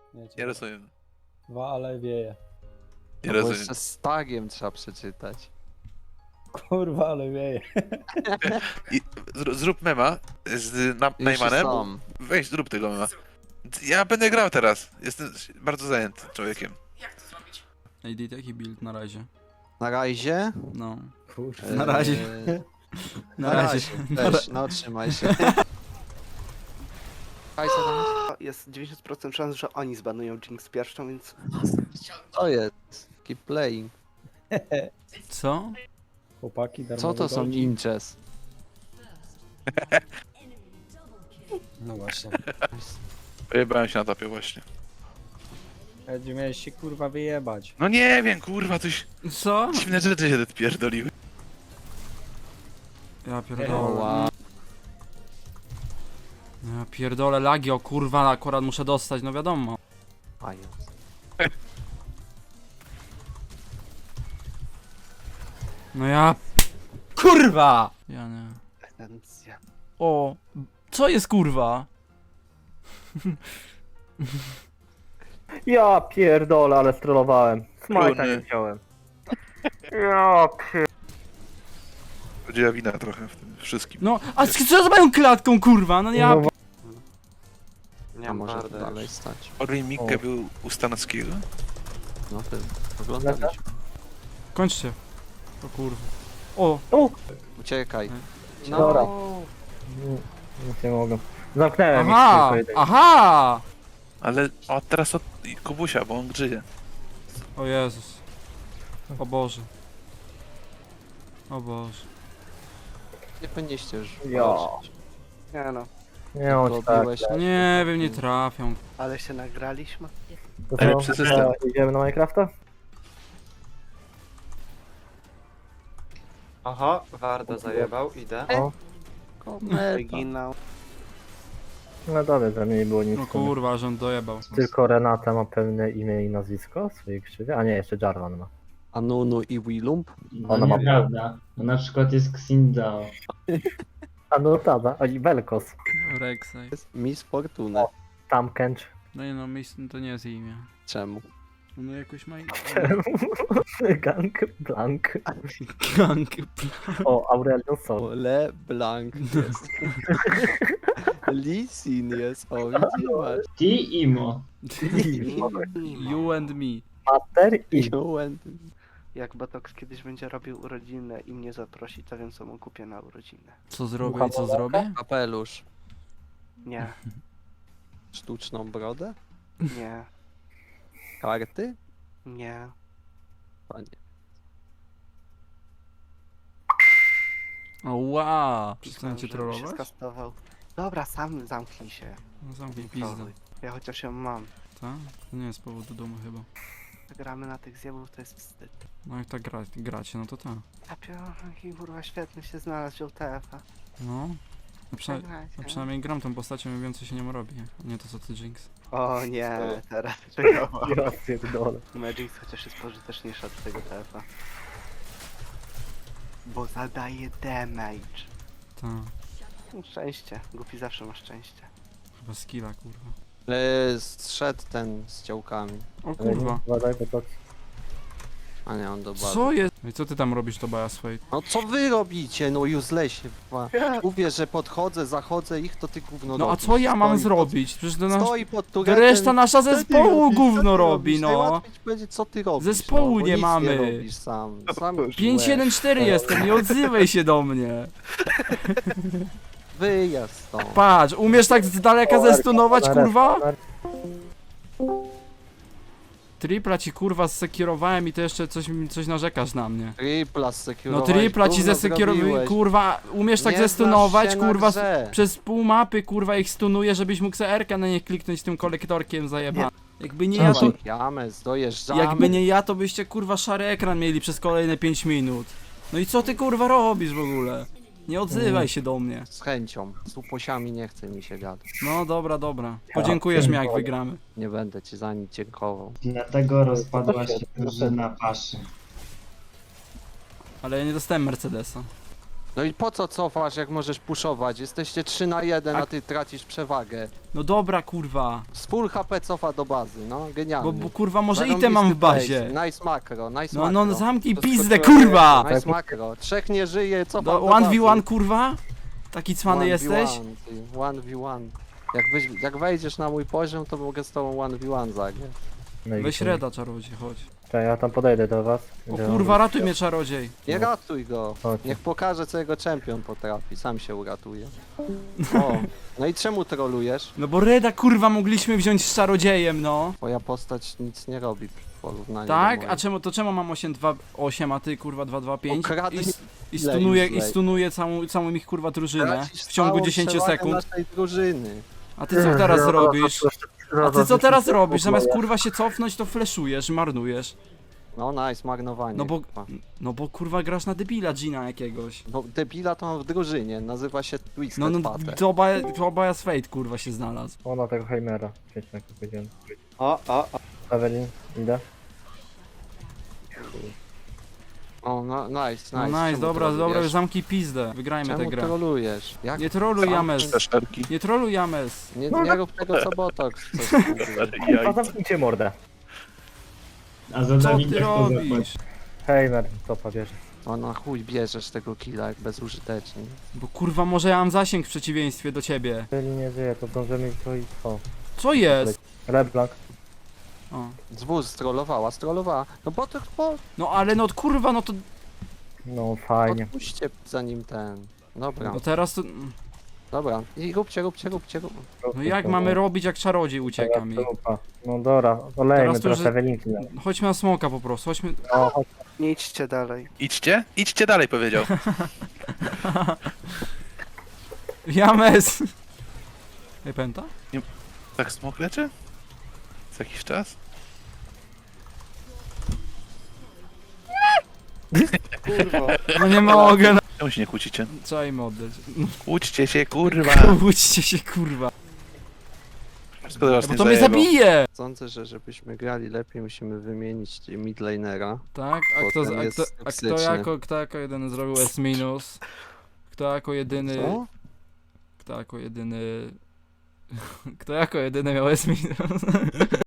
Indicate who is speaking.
Speaker 1: Nie rozumiem.
Speaker 2: Dwa, ale wieje.
Speaker 1: Nie
Speaker 3: No bo
Speaker 1: rozumiem.
Speaker 3: jeszcze z tagiem trzeba przeczytać.
Speaker 2: Kurwa, ale wieje.
Speaker 1: I zrób mema z
Speaker 3: Już
Speaker 1: Najmanem.
Speaker 3: sam.
Speaker 1: Weź, zrób tego mema. Ja będę grał teraz. Jestem bardzo zajęty człowiekiem.
Speaker 4: AD, jaki build na razie?
Speaker 3: Na razie?
Speaker 4: No.
Speaker 2: Kurwa.
Speaker 4: Na razie. Na razie.
Speaker 3: Też, no trzymaj się. Hajsa tam
Speaker 5: Jest 90% szans, że oni zbanują Jinx pierwszą, więc...
Speaker 3: jest? Co jest? Keep playing.
Speaker 4: Co?
Speaker 2: Chłopaki, darmowy
Speaker 3: Co to są
Speaker 2: gold.
Speaker 3: ninjas?
Speaker 2: No właśnie.
Speaker 1: Wyjebałem się na topie właśnie.
Speaker 2: Będzie miałeś się kurwa wyjebać.
Speaker 1: No nie wiem, kurwa, coś
Speaker 4: Co?
Speaker 1: dziwne rzeczy się odpierdoliły.
Speaker 4: Ja
Speaker 3: O,
Speaker 4: pierdolę.
Speaker 3: wow.
Speaker 4: Ja pierdolę lagi, o kurwa, akurat muszę dostać, no wiadomo.
Speaker 3: Pając.
Speaker 4: No ja... Kurwa! Ja nie.
Speaker 5: Esencja.
Speaker 4: O, co jest kurwa?
Speaker 6: Ja pierdolę, ale strollowałem. Smajta
Speaker 1: Trudny.
Speaker 6: nie wziąłem. Ja
Speaker 1: Będzie wina trochę w tym wszystkim.
Speaker 4: No, a co z moją klatką kurwa? No ja...
Speaker 2: No,
Speaker 5: Nie
Speaker 3: A
Speaker 5: mam
Speaker 3: może
Speaker 5: wardy
Speaker 3: dalej
Speaker 5: już.
Speaker 3: stać.
Speaker 1: Orlin Mikke był u Stanowskiego.
Speaker 3: No ty, oglądaliśmy.
Speaker 4: Kończcie. O kurwa. O,
Speaker 3: Uciekaj.
Speaker 5: No,
Speaker 6: Dobra. nic nie mogę. Zamknąłem
Speaker 4: aha,
Speaker 6: ich tylko jeden.
Speaker 4: aha!
Speaker 1: Ale teraz od Kubusia, bo on grzyje.
Speaker 4: O Jezus. O Boże. O Boże.
Speaker 3: Nie powinniście już
Speaker 6: Ja.
Speaker 3: walczyć.
Speaker 5: Nie no,
Speaker 6: Nie on
Speaker 3: Tylko
Speaker 6: tak.
Speaker 3: biłeś-
Speaker 4: No nie wiem, nie trafią.
Speaker 5: ale się nagraliśmy.
Speaker 6: To
Speaker 1: Ale
Speaker 6: co?
Speaker 1: przy system.
Speaker 6: Idziemy na Minecrafta?
Speaker 7: Oho, Warda zajebał, idę.
Speaker 6: O.
Speaker 3: Kometa.
Speaker 5: Wyginał.
Speaker 6: No dobra, że mnie nie było nic.
Speaker 4: No kurwa, że on dojebał.
Speaker 6: Tylko Renata ma pełne imię i nazwisko w swojej krzywie, a nie, jeszcze Jarvan ma.
Speaker 3: Anunu i Willump.
Speaker 8: No
Speaker 6: Ona ma-
Speaker 8: nieprawda. Bo na przykład jest Xindao.
Speaker 6: A no tada, a i Velkos.
Speaker 4: Rek'Sai.
Speaker 3: Miss Fortuna.
Speaker 6: Tam Kench.
Speaker 4: No nie no, to nie jest imię.
Speaker 3: Czemu?
Speaker 4: No jakoś ma imię.
Speaker 6: Gang Blank.
Speaker 4: Gang.
Speaker 6: O, Aurelion Sol.
Speaker 3: O, Le Blanc jest. Lisin jest, o widzisz.
Speaker 8: Ti Imo.
Speaker 4: You and me.
Speaker 6: Master i
Speaker 5: Jak Botox kiedyś będzie robił urodziny i mnie zaprosi, to wiem co mu kupię na urodziny.
Speaker 4: Co zrobię i co zrobię?
Speaker 3: Kapelusz.
Speaker 5: Nie,
Speaker 3: Sztuczną brodę.
Speaker 5: nie,
Speaker 3: Karty.
Speaker 5: nie.
Speaker 3: Panie.
Speaker 4: O wow!
Speaker 5: Myślałem,
Speaker 4: Przestańcie
Speaker 5: że mi się
Speaker 4: trollować?
Speaker 5: skastował. Dobra, sam zamknij się.
Speaker 4: No zamknij
Speaker 5: Nie
Speaker 4: pizdę.
Speaker 5: trolluj. Ja chociaż ją mam.
Speaker 4: Tak? To nie jest powód do domu chyba.
Speaker 5: Gramy na tych zjebów, to jest wstyd.
Speaker 4: No jak tak gracie, no to tak.
Speaker 5: Jaki kurwa świetny się znalazł wziął TF-a.
Speaker 4: No.
Speaker 5: Przegrajcie.
Speaker 4: Przynajmniej gram tą postacią i wiem co się nią robi. Nie to co ty Jinx.
Speaker 5: O nie, teraz
Speaker 6: Ja pierdolę.
Speaker 5: Magic chociaż jest pożyteczniejsza od tego TF-a. Bo zadaje damage.
Speaker 4: Tak.
Speaker 5: Szczęście. Głupi zawsze ma szczęście.
Speaker 4: Chyba skilla kurwa.
Speaker 3: Zszedł ten z działkami.
Speaker 4: O kurwa.
Speaker 6: Badaj, bo to...
Speaker 3: A nie, on do bazy.
Speaker 4: Co jest? No i co ty tam robisz to Baja swojej?
Speaker 3: No co wy robicie? No uselessie. Mówię, że podchodzę, zachodzę ich, to ty gówno
Speaker 4: No a
Speaker 3: robisz.
Speaker 4: co ja mam
Speaker 3: Stoi
Speaker 4: zrobić? Przecież to nasz...
Speaker 3: Stoi pod
Speaker 4: To
Speaker 3: turetem.
Speaker 4: reszta nasza
Speaker 3: Co ty
Speaker 4: zespołu
Speaker 3: robisz? Co
Speaker 4: gówno
Speaker 3: ty
Speaker 4: robi,
Speaker 3: robisz?
Speaker 4: no.
Speaker 3: Najłatwiej ci powiedzieć, co ty robisz.
Speaker 4: Zespołu
Speaker 3: no, bo
Speaker 4: nie
Speaker 3: nic
Speaker 4: mamy.
Speaker 3: Nie robisz sam. Sam
Speaker 4: 5-1-4 jestem, nie odzywaj się do mnie.
Speaker 3: Wyjazd stąd.
Speaker 4: Patrz, umiesz tak z daleka zestunować kurwa? Tripla ci kurwa zsekierowałem i to jeszcze coś narzekasz na mnie.
Speaker 3: Tripla
Speaker 4: No
Speaker 3: zsekierowałeś.
Speaker 4: tripla ci
Speaker 3: gówno
Speaker 4: zesekierowałem,
Speaker 3: zrobiłeś.
Speaker 4: kurwa, umiesz tak
Speaker 3: Nie znasz
Speaker 4: zestunować,
Speaker 3: się na
Speaker 4: kurwa,
Speaker 3: grze.
Speaker 4: przez pół mapy, kurwa, ich stunuje, żebyś mógł CR-kę na nie kliknąć tym kolektorkiem zajeba. Jakby nie ja to...
Speaker 3: James, dojeżdżamy.
Speaker 4: Jakby nie ja, to byście kurwa szary ekran mieli przez kolejne 5 minut. No i co ty kurwa robisz w ogóle? Nie odzywaj się do mnie.
Speaker 3: Z chęcią. Z uposiami nie chce mi się gadać.
Speaker 4: No dobra, dobra. Podziękujesz mi jak wygramy.
Speaker 3: Nie będę ci za nic dziękował.
Speaker 8: Dlatego rozpadła się drużyna Paszy.
Speaker 4: Ale ja nie dostałem Mercedesa.
Speaker 3: No i po co cofasz, jak możesz puszować? Jesteście 3 na 1, a ty tracisz przewagę.
Speaker 4: No dobra, kurwa.
Speaker 3: Z full HP cofa do bazy, no genialnie.
Speaker 4: Bo kurwa może
Speaker 3: Zarąbisty
Speaker 4: item mam w
Speaker 3: place.
Speaker 4: bazie.
Speaker 3: Nice makro, nice
Speaker 4: No,
Speaker 3: makro.
Speaker 4: no zamknij
Speaker 3: To
Speaker 4: pizdę,
Speaker 3: skoczyłem.
Speaker 4: kurwa!
Speaker 3: Nice makro. 3 nie żyje, cofa
Speaker 4: Do
Speaker 3: do bazy.
Speaker 4: 1v1, kurwa? Taki cwany
Speaker 3: 1v1,
Speaker 4: jesteś?
Speaker 3: ty, 1v1. Jak wejdziesz na mój poziom, to mogę z tobą 1v1 zagrać.
Speaker 6: No i
Speaker 4: Weź
Speaker 6: tyle.
Speaker 4: reda, czarodziej, chodź.
Speaker 6: Czekaj, ja tam podejdę do was.
Speaker 4: O
Speaker 6: Będę
Speaker 4: kurwa,
Speaker 6: wam-
Speaker 4: ratuj mnie, czarodziej.
Speaker 3: Nie ratuj go.
Speaker 6: Chodź.
Speaker 3: Niech pokaże, co jego czempion potrafi. Sam się uratuje. O, no i czemu trolujesz?
Speaker 4: No bo reda, kurwa, mogliśmy wziąć z czarodziejem, no.
Speaker 3: Twoja postać nic nie robi w porównaniu
Speaker 4: Tak?
Speaker 3: do
Speaker 4: A
Speaker 3: mojej.
Speaker 4: czemu mam 828, a ty kurwa 225?
Speaker 3: Okradli
Speaker 4: I
Speaker 3: ile
Speaker 4: stunuję,
Speaker 3: już
Speaker 4: i
Speaker 3: lej.
Speaker 4: stunuję całą ich kurwa drużynę
Speaker 3: Tracisz
Speaker 4: w ciągu
Speaker 3: całą
Speaker 4: 10
Speaker 3: przewagę
Speaker 4: sekund.
Speaker 3: naszej drużyny.
Speaker 4: A ty co teraz robisz? A ty co teraz robisz? Zamiast kurwa się cofnąć, to fleszujesz, marnujesz.
Speaker 3: No nice, marnowanie. kurwa.
Speaker 4: No bo kurwa grasz na debila Gina jakiegoś.
Speaker 3: No debila to mam w drużynie, nazywa się Twisted
Speaker 4: No
Speaker 3: Pater.
Speaker 4: to obaj z Fate kurwa się znalazł.
Speaker 6: Ona tego Heimera. Świetnie, jak powiedziałem.
Speaker 5: O.
Speaker 6: Evelyn, idę.
Speaker 3: O, no nice, nice.
Speaker 4: No nice,
Speaker 3: Czemu
Speaker 4: dobra,
Speaker 3: trolujesz?
Speaker 4: już zamknij pizdę. Wygrajmy tę
Speaker 3: Czemu
Speaker 4: grę.
Speaker 3: trolujesz? Jak?
Speaker 4: Nie troluj James.
Speaker 1: Szerki.
Speaker 4: Nie troluj James.
Speaker 3: Nie rób tego co Botox. coś tam mówi.
Speaker 6: A zamknijcie mordę.
Speaker 8: A za
Speaker 4: Co
Speaker 8: Dawida
Speaker 4: ty
Speaker 8: kto zapłaci?
Speaker 4: robisz?
Speaker 6: Heimer, topa bierze.
Speaker 3: O na chuj bierzesz tego killa jak bezużytecznie.
Speaker 4: Bo kurwa może ja mam zasięg w przeciwieństwie do ciebie.
Speaker 6: Jeżeli nie żyje, to zdążymy to i co?
Speaker 4: Co jest?
Speaker 6: LeBlanc.
Speaker 4: O.
Speaker 3: Zwóz strollowała. No Botox,
Speaker 4: No ale no kurwa, no to...
Speaker 6: No fajnie.
Speaker 3: odpuśćcie zanim ten. Dobra,
Speaker 4: No teraz to...
Speaker 3: dobra. I róbcie.
Speaker 4: No jak mamy robić, jak czarodziej ucieka mi?
Speaker 6: No dobra, olejmy
Speaker 4: Teraz to
Speaker 6: teraz
Speaker 4: już-
Speaker 6: Ewelinki.
Speaker 4: Chodźmy na smoka po prostu, chodźmy...
Speaker 6: No, chodź.
Speaker 5: Nie idźcie dalej.
Speaker 1: Idźcie? Idźcie dalej, powiedział.
Speaker 4: James! Ej, pęta?
Speaker 1: Tak smok leczy? Co jakiś czas?
Speaker 5: Kurwa.
Speaker 4: No nie mogę, no.
Speaker 1: Czemu się nie kłócicie?
Speaker 4: Trzeba im oddać.
Speaker 1: Kłóćcie się, kurwa.
Speaker 4: Kłóćcie się, kurwa.
Speaker 1: Wszystko do was
Speaker 4: Bo
Speaker 1: nie
Speaker 4: to mnie
Speaker 1: zajebał.
Speaker 4: zabije!
Speaker 3: Sądzę, że żebyśmy grali lepiej musimy wymienić midlanera.
Speaker 4: Tak?
Speaker 3: Potem jest toksyczny.
Speaker 4: Kto jako jedyny zrobił S minus? Kto jako jedyny...
Speaker 3: Co?
Speaker 4: Kto jako jedyny... Kto jako jedyny miał S minus?